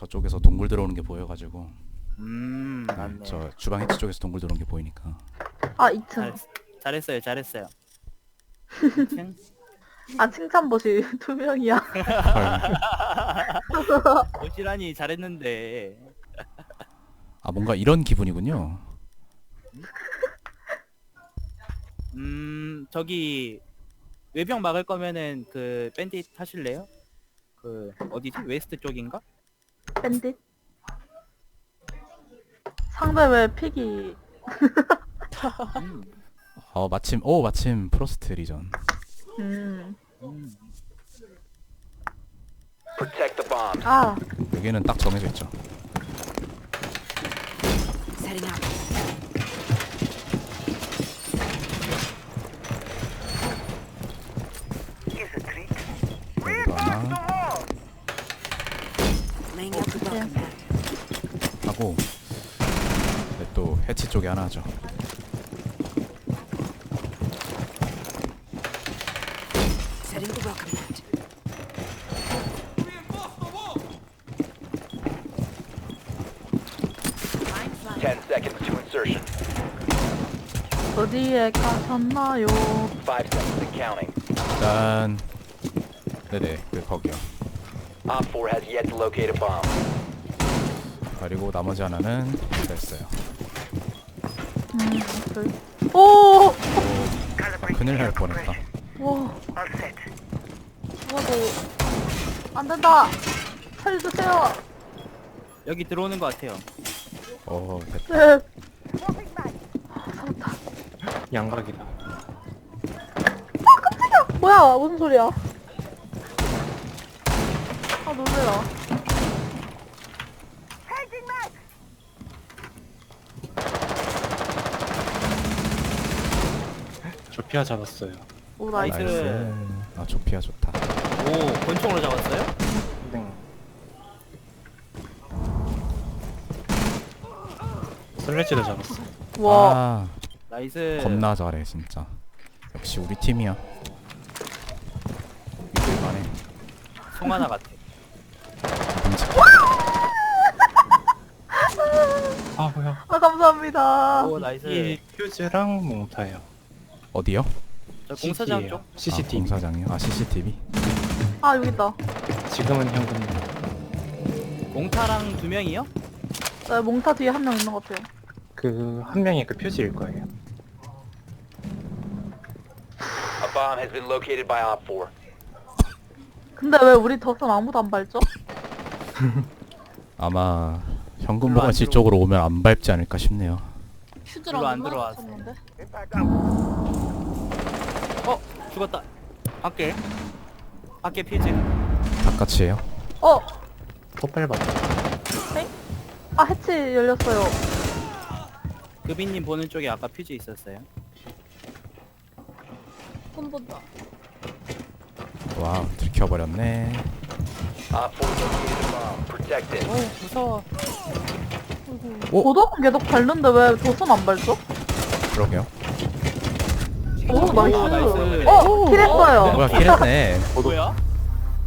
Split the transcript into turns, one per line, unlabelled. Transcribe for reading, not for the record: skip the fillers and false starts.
저쪽에서 동굴 들어오는 게 보여가지고.
맞네.
저 주방 해치 쪽에서 동굴 들어오는 게 보이니까.
아 2층.
잘했어요, 잘했어요. 2층?
아 칭찬봇이 2명이야.
헐.
오시라니 잘했는데.
아 뭔가 이런 기분이군요.
저기 외벽 막을 거면은 그 밴딧 하실래요? 그 어디지? 웨스트 쪽인가?
밴딧. 상대 왜 픽이
음,
마침 프로스트 리전.
음.
Protect the bomb.
아
여기는 딱 정해져 있죠.
Setting up.
여기도 하나
Laying out the welcome mat.
하고 네, 또 해치 쪽에 하나 하죠.
Setting the welcome mat. Line flying.
10 seconds to insertion.
어디에 가셨나요?
5 seconds and counting.
일단 네네 거기요.
Op 4 has yet to locate a bomb.
그리고 나머지 하나는 됐어요.
둘. 오!
큰일 날 뻔했다.
와. 죽어도 안 된다. 살려주세요.
여기 들어오는 것 같아요.
됐다.
네. 살았다.
양각이다.
뭐야? 무슨 소리야? 아 놀래라.
조피아 잡았어요.
오 나이스.
나이스.
아 조피아 좋다.
오, 권총으로 잡았어요?
네. 슬래지도 잡았어.
와.
아
나이스.
겁나 잘해 진짜. 역시 우리 팀이야. 믿을만해.
송 하나 같아.
끔찍해.
아 뭐야?
아 감사합니다.
오, 나이스.
이 퓨즈랑 몽타예요.
어디요?
저 공사장
CCTV 예요.
쪽?
CCTV.
공사장이요? 아 CCTV?
아 여기 있다.
지금은 현금.
몽타랑 2명이요?
네, 몽타 뒤에 한 명 있는 것 같아요.
그 한 명이 그 퓨즈일 거예요.
A bomb has been located by Op 4.
근데 왜 우리 덕선 아무도 안 밟죠?
아마 현금
별로 안
보관실
들어오-
쪽으로 오면 안 밟지 않을까 싶네요.
별로 안 들어왔어.
쳤는데?
죽었다. 밖에. 밖에 퓨즈.
바깥이에요?
어!
폭발 받아.
아 해치 열렸어요.
그빈님 보는 쪽에 아까 퓨즈 있었어요.
손 본다.
와우 들켜버렸네.
Op 4 located a bomb. Protect it.
오, 무서워.
오!
고덕은 계속 밟는데 왜 도선 안 밟죠?
그러게요.
오 나이스.
나이스.
킬했어요.
뭐야 킬했네.
뭐야?